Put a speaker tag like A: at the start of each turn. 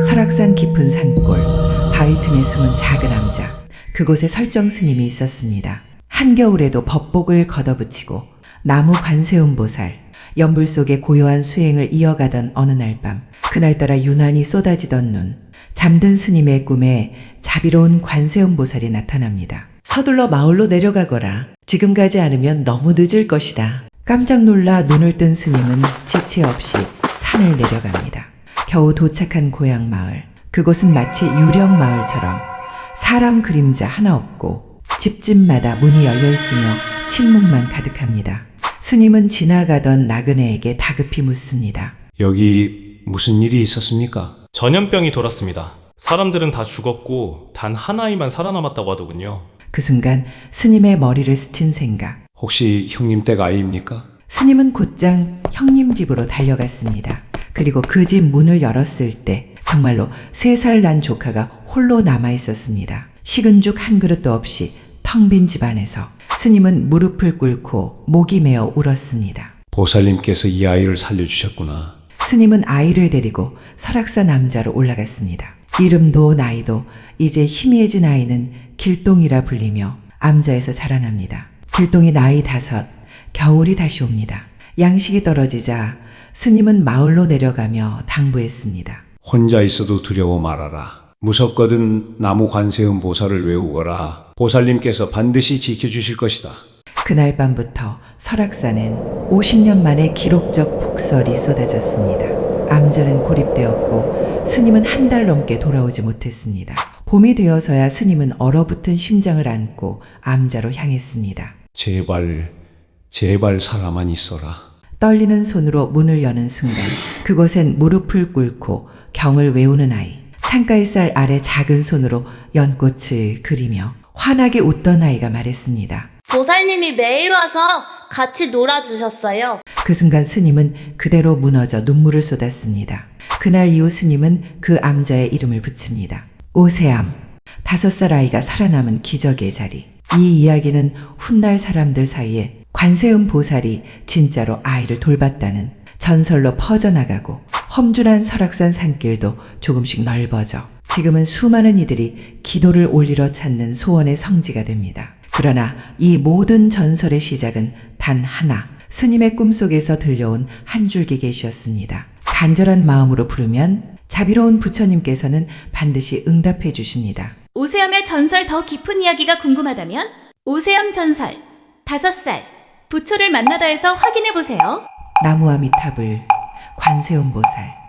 A: 설악산 깊은 산골, 바위 틈에 숨은 작은 암자. 그곳에 설정 스님이 있었습니다. 한겨울에도 법복을 걷어붙이고 나무 관세음보살, 연불 속에 고요한 수행을 이어가던 어느 날 밤, 그날따라 유난히 쏟아지던 눈, 잠든 스님의 꿈에 자비로운 관세음보살이 나타납니다. 서둘러 마을로 내려가거라. 지금 가지 않으면 너무 늦을 것이다. 깜짝 놀라 눈을 뜬 스님은 지체 없이 산을 내려갑니다. 겨우 도착한 고향 마을. 그곳은 마치 유령 마을처럼 사람 그림자 하나 없고 집집마다 문이 열려 있으며 침묵만 가득합니다. 스님은 지나가던 나그네에게 다급히 묻습니다.
B: 여기 무슨 일이 있었습니까?
C: 전염병이 돌았습니다. 사람들은 다 죽었고 단 한 아이만 살아남았다고 하더군요.
A: 그 순간 스님의 머리를 스친 생각.
B: 혹시 형님 댁 아이입니까?
A: 스님은 곧장 형님 집으로 달려갔습니다. 그리고 그 집 문을 열었을 때 정말로 3살 난 조카가 홀로 남아 있었습니다. 식은 죽 한 그릇도 없이 텅 빈 집안에서 스님은 무릎을 꿇고 목이 메어 울었습니다.
B: 보살님께서 이 아이를 살려주셨구나.
A: 스님은 아이를 데리고 설악산 암자로 올라갔습니다. 이름도 나이도 이제 희미해진 아이는 길동이라 불리며 암자에서 자라납니다. 길동이 나이 5, 겨울이 다시 옵니다. 양식이 떨어지자 스님은 마을로 내려가며 당부했습니다.
B: 혼자 있어도 두려워 말아라. 무섭거든 나무 관세음 보살을 외우거라. 보살님께서 반드시 지켜주실 것이다.
A: 그날 밤부터 설악산엔 50년 만에 기록적 폭설이 쏟아졌습니다. 암자는 고립되었고 스님은 한 달 넘게 돌아오지 못했습니다. 봄이 되어서야 스님은 얼어붙은 심장을 안고 암자로 향했습니다.
B: 제발 살아만 있어라.
A: 떨리는 손으로 문을 여는 순간 그곳엔 무릎을 꿇고 경을 외우는 아이, 창가의 쌀 아래 작은 손으로 연꽃을 그리며 환하게 웃던 아이가 말했습니다.
D: 보살님이 매일 와서 같이 놀아주셨어요.
A: 그 순간 스님은 그대로 무너져 눈물을 쏟았습니다. 그날 이후 스님은 그 암자의 이름을 붙입니다. 오세암, 5살 아이가 살아남은 기적의 자리. 이 이야기는 훗날 사람들 사이에 관세음 보살이 진짜로 아이를 돌봤다는 전설로 퍼져나가고 험준한 설악산 산길도 조금씩 넓어져 지금은 수많은 이들이 기도를 올리러 찾는 소원의 성지가 됩니다. 그러나 이 모든 전설의 시작은 단 하나, 스님의 꿈속에서 들려온 한 줄기 계시였습니다. 간절한 마음으로 부르면 자비로운 부처님께서는 반드시 응답해 주십니다.
E: 오세암의 전설 더 깊은 이야기가 궁금하다면 오세암 전설 5살 부처를 만나다에서 확인해 보세요.
A: 나무아미타불 관세음보살